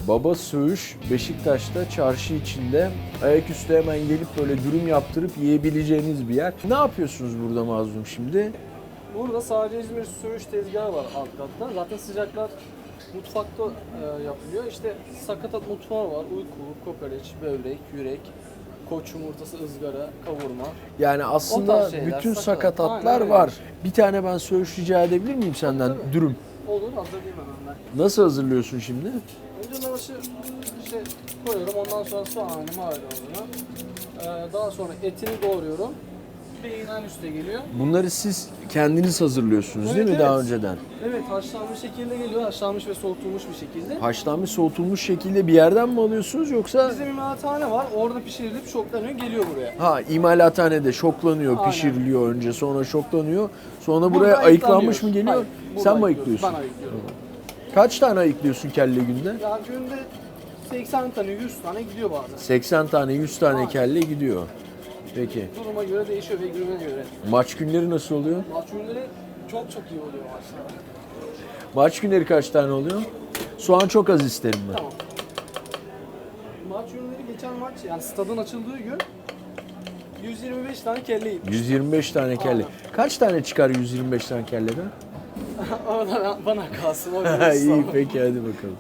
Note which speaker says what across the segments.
Speaker 1: Baba Söğüş Beşiktaş'ta çarşı içinde ayaküstü hemen gelip böyle dürüm yaptırıp yiyebileceğiniz bir yer. Ne yapıyorsunuz burada Mazlum şimdi?
Speaker 2: Burada sadece İzmir söğüş tezgahı var alt katta. Zaten sıcaklar mutfakta yapılıyor. İşte sakatat mutfağı var. Uyku, kokoreç, böbrek, yürek, koç yumurtası, ızgara, kavurma.
Speaker 1: Yani
Speaker 2: O
Speaker 1: aslında
Speaker 2: tarz şeyler,
Speaker 1: bütün
Speaker 2: sakatat.
Speaker 1: sakatatlar
Speaker 2: Aynen,
Speaker 1: var. Bir tane ben söğüş rica edebilir miyim senden?
Speaker 2: Tabii.
Speaker 1: Dürüm.
Speaker 2: Olur, hazırlayayım hemen ben.
Speaker 1: Nasıl hazırlıyorsun şimdi?
Speaker 2: Önce lavaşı işte koyuyorum. Ondan sonra soğanı, maydanozunu. Daha sonra etini doğruyorum. Beyin en üste geliyor.
Speaker 1: Bunları siz kendiniz hazırlıyorsunuz değil
Speaker 2: Evet,
Speaker 1: mi daha
Speaker 2: evet.
Speaker 1: önceden?
Speaker 2: Evet, haşlanmış şekilde geliyor. Haşlanmış ve soğutulmuş bir şekilde.
Speaker 1: Haşlanmış, soğutulmuş şekilde bir yerden mi alıyorsunuz yoksa?
Speaker 2: Bizim imalathane var. Orada pişirilip şoklanıyor, geliyor buraya.
Speaker 1: Ha, imalathanede şoklanıyor,
Speaker 2: Aynen.
Speaker 1: pişiriliyor önce, sonra şoklanıyor. Sonra
Speaker 2: Burada
Speaker 1: buraya ayıklanmış
Speaker 2: ayıklanmıyor.
Speaker 1: mı geliyor?
Speaker 2: Hayır, burada
Speaker 1: Sen mi
Speaker 2: ayıklıyoruz.
Speaker 1: ayıklıyorsun?
Speaker 2: Ben ayıklıyorum.
Speaker 1: Kaç tane ayıklıyorsun kelle günde?
Speaker 2: Ya günde 80 tane, 100 tane gidiyor bazen.
Speaker 1: 80 tane, 100 tane
Speaker 2: Aynen.
Speaker 1: kelle gidiyor. Peki.
Speaker 2: Duruma göre değişiyor ve gününe göre.
Speaker 1: Maç günleri nasıl oluyor?
Speaker 2: Maç günleri çok iyi oluyor maçlar.
Speaker 1: Maç günleri kaç tane oluyor? Soğan çok az isterim ben.
Speaker 2: Tamam. Maç günleri geçen maç yani stadın açıldığı gün 125 tane kelle yedik.
Speaker 1: 125 tane kelle.
Speaker 2: Aynen.
Speaker 1: Kaç tane çıkar 125 tane kelleden?
Speaker 2: O da bana kalsın. O
Speaker 1: İyi peki hadi bakalım.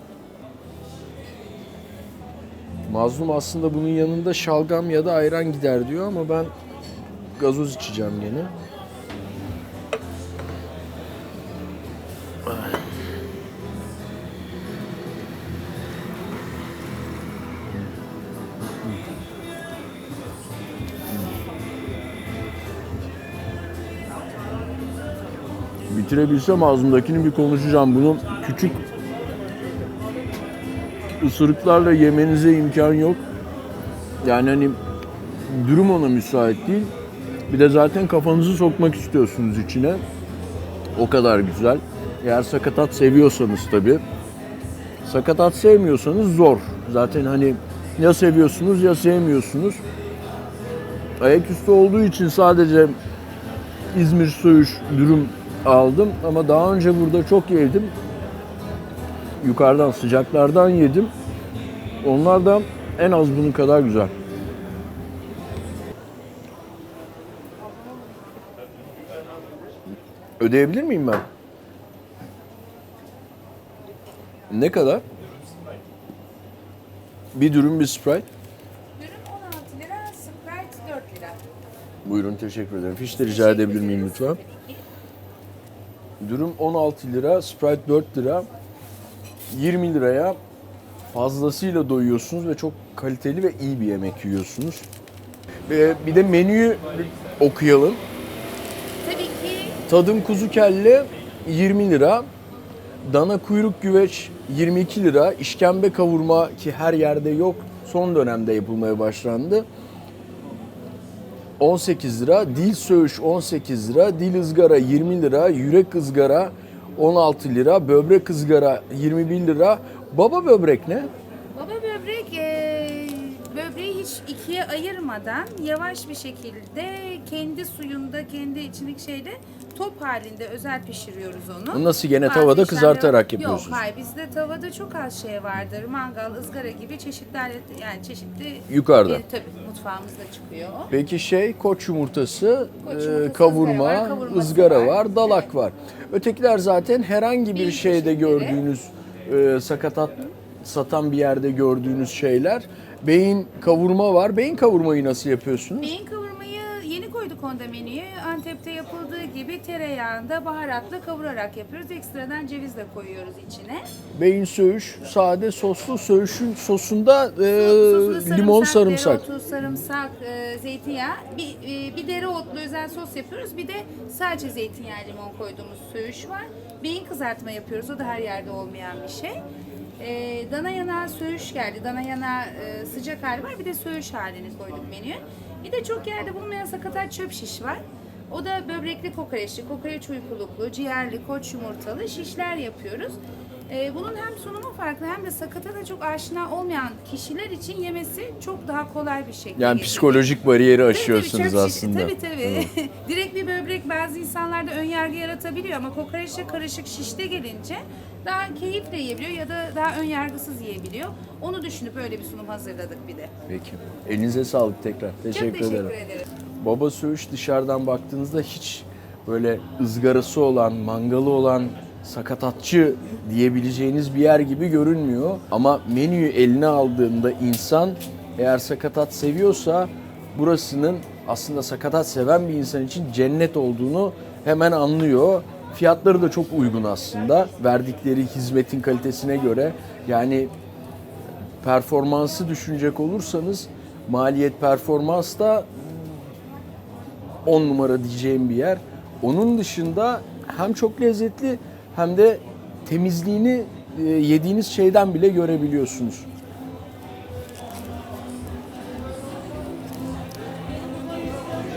Speaker 1: Mazlum aslında bunun yanında şalgam ya da ayran gider diyor ama ben gazoz içeceğim gene. Bitirebilsem ağzımdakini bir konuşacağım. Bunu küçük ısırıklarla yemenize imkan yok. Yani hani durum ona müsait değil. Bir de zaten kafanızı sokmak istiyorsunuz içine. O kadar güzel. Eğer sakatat seviyorsanız tabii. Sakatat sevmiyorsanız zor. Zaten hani ya seviyorsunuz ya sevmiyorsunuz. Ayaküstü olduğu için sadece İzmir söğüş dürüm aldım ama daha önce burada çok yedim. Yukarıdan sıcaklardan yedim. Onlar da en az bunun kadar güzel. Ödeyebilir miyim ben? Ne kadar? Bir dürüm, bir Sprite.
Speaker 3: Dürüm 16 lira, Sprite 4 lira.
Speaker 1: Buyurun, teşekkür ederim. Fiş de rica edebilir miyim lütfen? Dürüm 16 lira, Sprite 4 lira. 20 liraya fazlasıyla doyuyorsunuz ve çok kaliteli ve iyi bir yemek yiyorsunuz. Bir de menüyü okuyalım.
Speaker 3: Tabii ki
Speaker 1: Tadım kuzu kelle 20 lira. Dana kuyruk güveç 22 lira. İşkembe kavurma ki her yerde yok. Son dönemde yapılmaya başlandı. 18 lira. Dil söğüş 18 lira. Dil ızgara 20 lira. Yürek ızgara 16 lira. Böbrek ızgara 21 lira. Baba böbrek ne?
Speaker 3: baba böbrek böbreği hiç ikiye ayırmadan yavaş bir şekilde kendi suyunda, kendi içindeki şeyde top halinde özel pişiriyoruz onu.
Speaker 1: Nasıl, gene
Speaker 3: Bazı
Speaker 1: tavada
Speaker 3: işlemler-
Speaker 1: kızartarak yapıyorsunuz?
Speaker 3: Yok, hayır, bizde tavada çok az şey vardır. Mangal, ızgara gibi çeşitli yani çeşitli
Speaker 1: Yukarıda.
Speaker 3: tabii mutfağımızda çıkıyor o.
Speaker 1: Peki koç yumurtası,
Speaker 3: Koç yumurtası,
Speaker 1: kavurma,
Speaker 3: ızgara var, kavurması
Speaker 1: ızgara
Speaker 3: var.
Speaker 1: var, dalak
Speaker 3: Evet.
Speaker 1: var. Ötekiler zaten herhangi bir
Speaker 3: Bir
Speaker 1: şeyde
Speaker 3: çeşitleri.
Speaker 1: gördüğünüz sakatat satan bir yerde gördüğünüz şeyler. Beyin kavurma var. Beyin kavurmayı nasıl yapıyorsunuz?
Speaker 3: Beyin kavurmayı yeni koyduk onda menüye. Antep'te yapıldığı gibi tereyağında baharatla kavurarak yapıyoruz. Ekstradan ceviz de koyuyoruz içine.
Speaker 1: Beyin söğüş, sade soslu söğüşün sosunda
Speaker 3: Sosunda
Speaker 1: limon, sarımsak.
Speaker 3: Dereotu, sarımsak, zeytinyağı. Bir dereotlu özel sos yapıyoruz. Bir de sadece zeytinyağı, limon koyduğumuz söğüş var. Beyin kızartma yapıyoruz. O da her yerde olmayan bir şey. Dana yanağı söğüş geldi. Dana yanağı sıcak hali var. Bir de söğüş halini koyduk menüye. Bir de çok yerde bulunmayan sakatat çöp şiş var. O da böbrekli kokoreçli, kokoreç uykuluklu, ciğerli, koç yumurtalı şişler yapıyoruz. Bunun hem sunumu farklı hem de sakata çok aşina olmayan kişiler için yemesi çok daha kolay bir şekilde.
Speaker 1: Yani
Speaker 3: geliyor.
Speaker 1: psikolojik bariyeri
Speaker 3: Tabii,
Speaker 1: aşıyorsunuz
Speaker 3: çöp şiş-
Speaker 1: aslında.
Speaker 3: Tabii. Direkt bir böbrek bazı insanlarda ön yargı yaratabiliyor ama kokoreçle karışık şişte gelince daha keyifle yiyebiliyor ya da daha ön yargısız yiyebiliyor. Onu düşünüp öyle bir sunum hazırladık bir de.
Speaker 1: Peki. Elinize sağlık tekrar.
Speaker 3: Çok teşekkür ederim.
Speaker 1: Baba Söğüş dışarıdan baktığınızda hiç böyle ızgarası olan, mangalı olan, sakatatçı diyebileceğiniz bir yer gibi görünmüyor. Ama menüyü eline aldığında insan eğer sakatat seviyorsa burasının aslında sakatat seven bir insan için cennet olduğunu hemen anlıyor. Fiyatları da çok uygun aslında. Verdikleri hizmetin kalitesine göre. Yani performansı düşünecek olursanız maliyet performans da 10 numara diyeceğim bir yer. Onun dışında hem çok lezzetli hem de temizliğini yediğiniz şeyden bile görebiliyorsunuz.